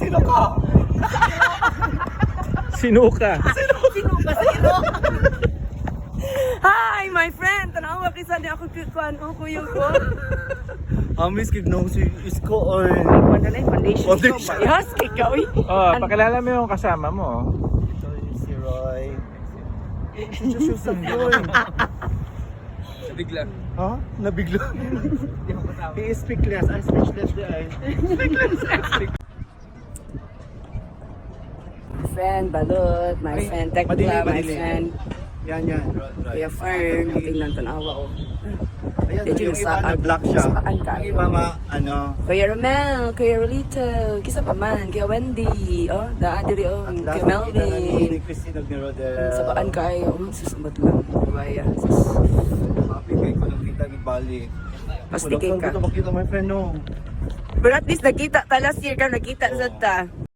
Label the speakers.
Speaker 1: Sino ka?
Speaker 2: Sinuka.
Speaker 3: Sinuka sa iro. Hi, my friend. Tanawa kisa ni ako kuan ko kuyo ko.
Speaker 1: Amis kig nung si Isko oy.
Speaker 3: Pandalay foundation ko.
Speaker 1: Foundation.
Speaker 3: Yes, ikaw.
Speaker 2: Oh, pakilala mo yung kasama mo.
Speaker 1: Ito yung si Roy. Introduce yourself, Roy.
Speaker 4: Bigla.
Speaker 1: Ha? Nabigla. He is speechless. I'm speechless di ay.
Speaker 3: My friend Balot, my friend Tekla, my
Speaker 1: madili.
Speaker 3: friend
Speaker 1: Yan.
Speaker 3: Kuya Fern, tingnan tanawa ko.
Speaker 1: Ayan,
Speaker 3: Did you
Speaker 1: yung iba
Speaker 3: sa-
Speaker 1: nag-block siya.
Speaker 3: saan ka?
Speaker 1: Yung iba ano.
Speaker 3: Kuya Romel, Kuya Rolito, kisa pa man, Kuya Wendy, oh, daan diri oh,
Speaker 1: Ang
Speaker 3: Kuya
Speaker 1: last nakita na
Speaker 3: Melvin.
Speaker 1: ni Christine ni Rodel.
Speaker 3: Sa baan kayo, susumbat lang. Baya, sus.
Speaker 1: Mapigay ko nung kita ni Bali.
Speaker 3: Pastikin ka.
Speaker 1: Ito makita my friend no.
Speaker 3: But at least nakita ta last year ka, nakita sa ta.